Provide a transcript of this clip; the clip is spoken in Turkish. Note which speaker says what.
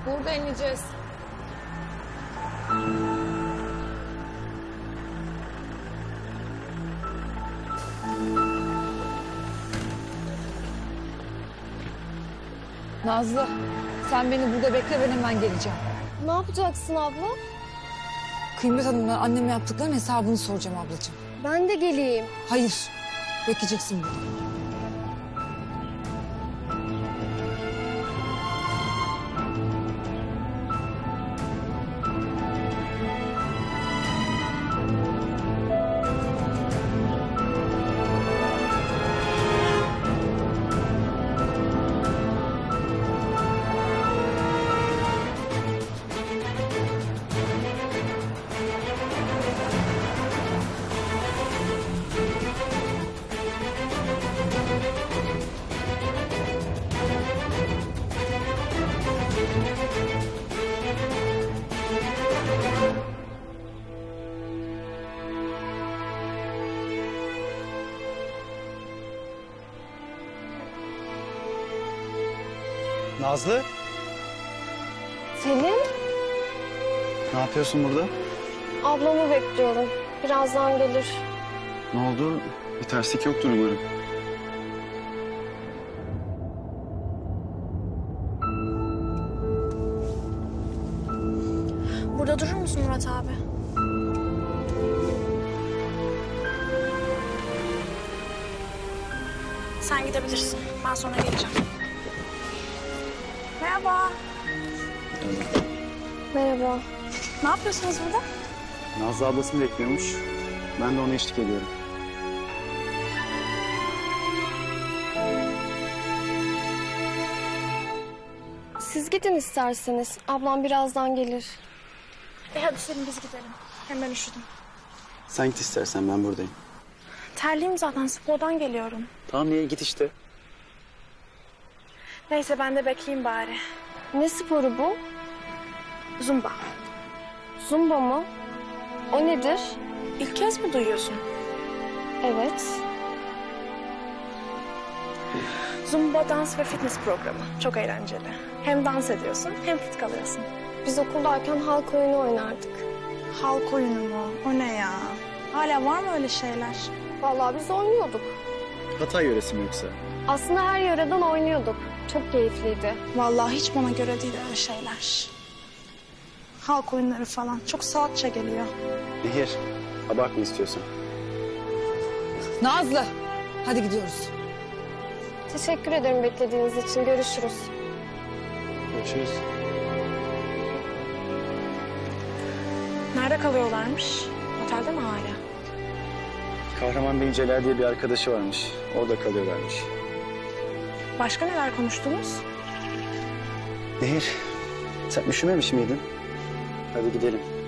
Speaker 1: Burada ineceğiz. Nazlı, sen beni burada bekle, ben hemen geleceğim.
Speaker 2: Ne yapacaksın abla?
Speaker 1: Kıymet Hanım'la anneme yaptıklarının hesabını soracağım ablacığım.
Speaker 2: Ben de geleyim.
Speaker 1: Hayır, bekleyeceksin burada.
Speaker 3: Nazlı,
Speaker 2: Selim,
Speaker 3: ne yapıyorsun burada?
Speaker 2: ablamı bekliyorum. Birazdan gelir.
Speaker 3: Ne oldu? Bir terslik yoktur umarım.
Speaker 4: Burada durur musun Murat abi? Sen gidebilirsin. Ben sonra geleceğim. Merhaba.
Speaker 2: Merhaba.
Speaker 4: Ne yapıyorsunuz burada?
Speaker 3: Nazlı ablasını bekliyormuş. Ben de ona eşlik ediyorum.
Speaker 2: Siz gidin isterseniz. Ablam birazdan gelir.
Speaker 4: Hadi Selim biz gidelim. Hem ben üşüdüm.
Speaker 3: Sen git istersen, ben buradayım.
Speaker 4: Terliyim zaten spordan geliyorum.
Speaker 3: Tamam, iyi git işte.
Speaker 4: Neyse ben de bekleyeyim bari.
Speaker 2: Ne sporu bu?
Speaker 4: Zumba.
Speaker 2: Zumba mı? O nedir?
Speaker 4: İlk kez mi duyuyorsun?
Speaker 2: Evet.
Speaker 4: Zumba dans ve fitness programı. Çok eğlenceli. Hem dans ediyorsun hem fit kalıyorsun.
Speaker 2: Biz okuldayken halk oyunu oynardık.
Speaker 4: Halk oyunu mu? O ne ya? Hala var mı öyle şeyler?
Speaker 2: Vallahi biz oynuyorduk.
Speaker 3: Hatay yöresi mi yoksa?
Speaker 2: Aslında her yöreden oynuyorduk. Çok keyifliydi.
Speaker 4: Vallahi hiç bana göre değil öyle şeyler. Halk oyunları falan çok salakça geliyor.
Speaker 3: Nehir, abartma istiyorsan.
Speaker 1: Nazlı, hadi gidiyoruz.
Speaker 2: Teşekkür ederim beklediğiniz için. Görüşürüz.
Speaker 3: Görüşürüz.
Speaker 4: Nerede kalıyorlarmış? Otelde mi hala?
Speaker 3: Kahraman Bey Celal diye bir arkadaşı varmış. Orada kalıyorlarmış.
Speaker 4: Başka neler konuştunuz?
Speaker 3: Nehir, sen üşümemiş miydin? Hadi gidelim.